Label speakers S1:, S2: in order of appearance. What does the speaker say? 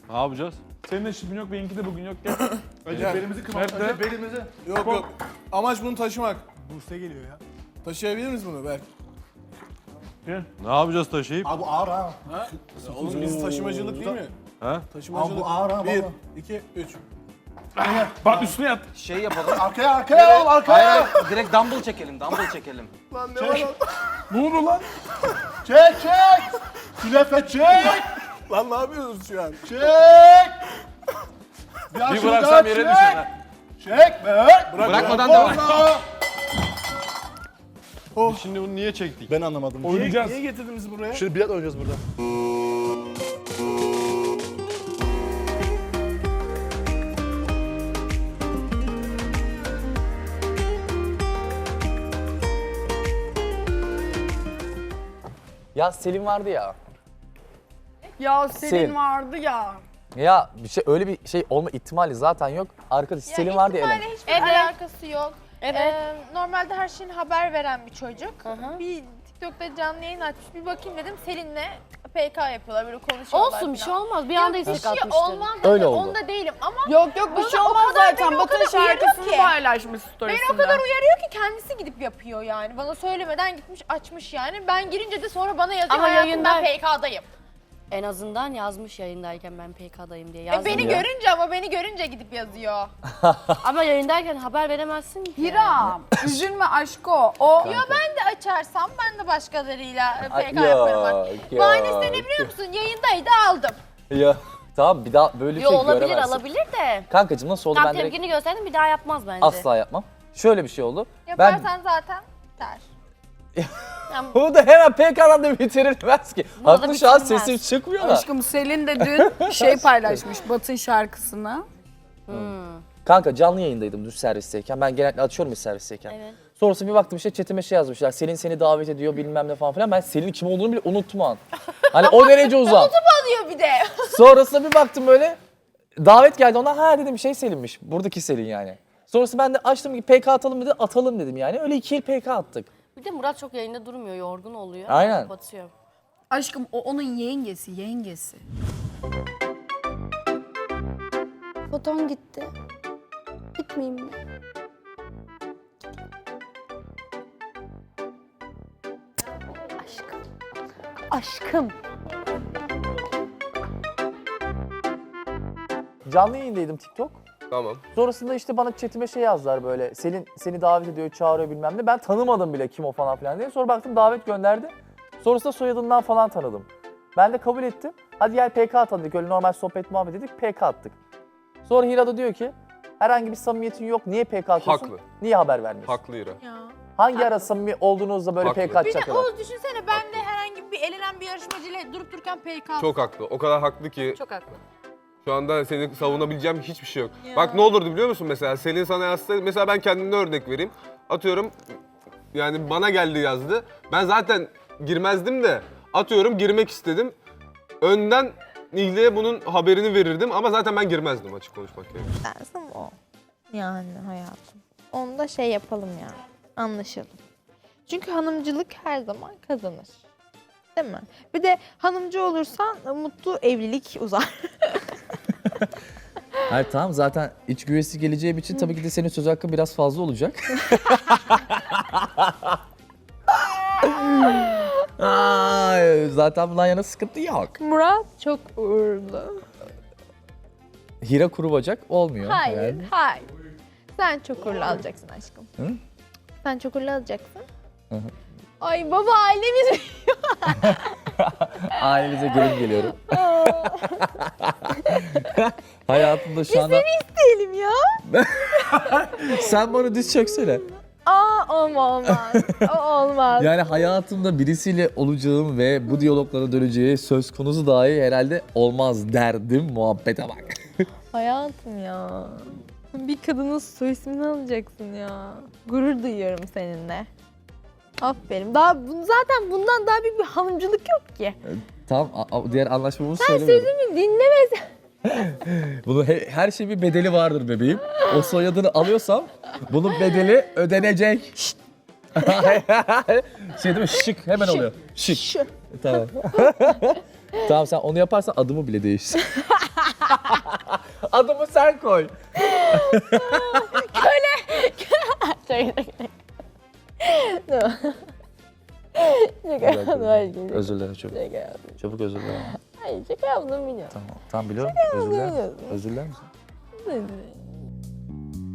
S1: Ne yapacağız?
S2: Senin de şipin yok, benimki de bugün yok. Gel.
S3: Önce belimizi kırmamız.
S2: Nerede?
S3: Önce belimizi.
S4: Yok yok. Amaç bunu taşımak.
S3: Buse geliyor ya.
S4: Taşıyabilir miyiz bunu Berk?
S2: Gel.
S1: Ne yapacağız taşıyıp?
S3: Abi bu ağır ha.
S4: Oğlum biz taşımacılık değil mi?
S1: Ha?
S3: Abi
S4: Taşımacılık.
S3: bu ağır ha
S4: 1,
S3: valla.
S4: 2, 3.
S2: Bak üstüne yat.
S5: Şey yapalım.
S3: Arkaya oğlum arkaya.
S5: Hayır, direkt dumbbell çekelim, dumbbell çekelim.
S4: Lan ne var lan?
S2: Ne oldu lan?
S3: Çek. Künefe çek.
S4: Lan ne yapıyorsunuz şu an?
S3: Çek.
S1: Bir bıraksam yere düşer ha.
S3: Çek be.
S5: Bırakmadan devam.
S1: Biz şimdi bunu niye çektik?
S3: Ben anlamadım.
S2: Oynayacağız.
S4: Niye getirdiniz buraya?
S3: Şimdi bilet oynayacağız burada.
S6: Ya Selin vardı ya.
S7: Ya Selin vardı ya.
S6: Ya bir şey öyle bir şey olma ihtimali zaten yok. Arkadaş Selin vardı ya Elen.
S8: ihtimalle hiçbir
S7: Evet.
S8: alakası yok.
S7: Evet.
S8: Normalde her şeyin haber veren bir çocuk.
S7: hı.
S8: Bir TikTok'ta canlı yayın açmış. Bir bakayım dedim Selin'le PK yapıyorlar böyle konuşuyorlar.
S7: Olsun bir şey
S8: falan.
S7: olmaz. Bir
S8: Yok,
S7: anda
S8: bir
S7: istek
S8: şey
S7: atmıştır.
S8: olmaz.
S6: Öyle oldu.
S8: Onda değilim ama
S7: Yok yok bir
S8: Bana
S7: şey
S8: o
S7: olmaz
S8: kadar
S7: zaten.
S8: beni o
S7: Batın
S8: kadar uyarıyor
S7: şarkısını
S8: ki.
S7: paylaşmış storiesinde.
S8: beni o kadar uyarıyor ki kendisi gidip yapıyor yani. Bana söylemeden gitmiş açmış yani. Ben girince de sonra bana yazıyor
S7: Ama
S8: hayatım ben
S7: yayında-
S8: PK'dayım.
S7: En azından yazmış yayındayken ben PK'dayım diye.
S8: Beni
S6: ya.
S8: görünce ama beni görünce gidip yazıyor.
S7: Ama yayındayken haber veremezsin ki.
S9: Hira, üzülme aşko. O
S8: Ya ben de açarsam ben de başkalarıyla
S6: Ay,
S8: PK yaparım. Bak.
S6: yok,
S8: Bahanesi ne
S6: yok.
S8: biliyor musun? Yayındaydı aldım.
S6: Ya tamam bir daha böyle bir
S7: Yo
S6: şey
S7: olabilir
S6: göremezsin.
S7: alabilir de.
S6: Kankacığım nasıl oldu
S7: Tam
S6: ben direkt
S7: tepkini gösterdin bir daha yapmaz bence.
S6: asla yapmam. Şöyle bir şey oldu.
S8: Yaparsan zaten der.
S6: Bunu da hemen PK'dan da bitirilmez ki.
S7: Bu da
S6: Haklı şu an
S7: bitirilmez.
S6: sesim çıkmıyor da.
S9: aşkım Selin de dün şey paylaşmış Batın şarkısını.
S6: Kanka canlı yayındaydım dün servisteyken. Ben genellikle açıyorum ya servisteyken.
S7: Evet.
S6: Sonrasında bir baktım işte chatime şey yazmışlar. Selin seni davet ediyor bilmem ne falan filan. Ben Selin'in kim olduğunu bile unuttum o an. Hani o derece uzak.
S8: Alıyor bir de.
S6: Sonrasında bir baktım böyle. Davet geldi ona. Ha dedim şey Selin'miş. Buradaki Selin yani. Sonrasında ben de açtım ki PK atalım dedi. Atalım dedim yani. Öyle 2 el PK attık.
S7: Bir de Murat çok yayında durmuyor, yorgun oluyor.
S6: Aynen.
S7: Kapatıyor.
S9: Aşkım o onun yengesi.
S10: Foton gitti. Gitmeyeyim mi? Aşkım. Aşkım.
S6: Canlı yayındaydım TikTok.
S1: Tamam.
S6: Sonrasında işte bana chatime şey yazdılar böyle. Selin seni davet ediyor, çağırıyor bilmem ne. Ben tanımadım bile kim o falan filan diye. Sonra baktım davet gönderdi. Sonrasında soyadından falan tanıdım. Ben de kabul ettim. Hadi gel PK atalım dedik. Öyle normal sohbet muhabbet dedik. PK attık. Sonra Hira da diyor ki herhangi bir samimiyetin yok. Niye PK atıyorsun?
S1: Haklı.
S6: Niye haber vermiyorsun?
S1: Haklı İra.
S8: Ya.
S6: Hangi ara samimi olduğunuzda böyle
S1: Haklı.
S6: PK
S8: Bir de
S6: atacak kadar?
S8: Oğuz düşünsene ben de herhangi bir elenen bir yarışmacıyla durup dururken PK.
S1: Çok haklı. O kadar haklı ki
S7: Çok haklı.
S1: şu anda seni savunabileceğim hiçbir şey yok. Bak ne olurdu biliyor musun mesela? Selin sana yazsa, mesela ben kendimden örnek vereyim. Atıyorum yani bana geldi yazdı. Ben zaten girmezdim de atıyorum girmek istedim. Önden Nihle'ye bunun haberini verirdim ama zaten ben girmezdim açık konuşmak gerekirse.
S8: Dersim o. Yani hayatım. Onu da şey yapalım yani. Anlaşalım. Çünkü hanımcılık her zaman kazanır. Değil mi? Bir de hanımcı olursan mutlu evlilik uzar.
S6: Hayır tamam zaten iç güvesi geleceği için tabii ki de senin söz hakkın biraz fazla olacak. Ay, zaten bundan yana sıkıntı yok.
S8: Murat çok uğurlu.
S6: Hira kuru bacak olmuyor.
S8: Hayır,
S6: yani.
S8: hayır. Sen çok uğurlu alacaksın aşkım.
S6: Hı?
S8: Sen çok uğurlu alacaksın.
S6: Hı hı.
S8: Ay baba ailemiz
S6: Ailenize gelin geliyorum. Hayatımda şu anda...
S8: diyelim ya.
S6: Sen bana diz çöksene.
S8: Olmaz. O olmaz.
S6: Yani hayatımda birisiyle olacağım ve bu diyaloglara döneceği söz konusu dahi herhalde olmaz derdim muhabbete bak.
S8: Hayatım ya. Bir kadının soy ismini alacaksın ya. Gurur duyuyorum seninle. Aferin. Zaten bundan daha büyük bir hanımcılık yok ki.
S6: Tamam diğer anlaşmamızı
S8: Sen
S6: söylemiyorum.
S8: sözümü dinlemezsen.
S6: Bunun her şeyin bir bedeli vardır bebeğim. O soyadını alıyorsam bunun bedeli ödenecek. Şey değil mi? Şık hemen oluyor. Şık. Tamam. Tamam sen onu yaparsan adımı bile değiştir. Adımı sen koy. Özür dilerim çok. Çabuk özür dilerim.
S8: Hayır şaka yaptım biliyorum.
S6: Tamam biliyorum. Özür dilerim. Özür diler misin?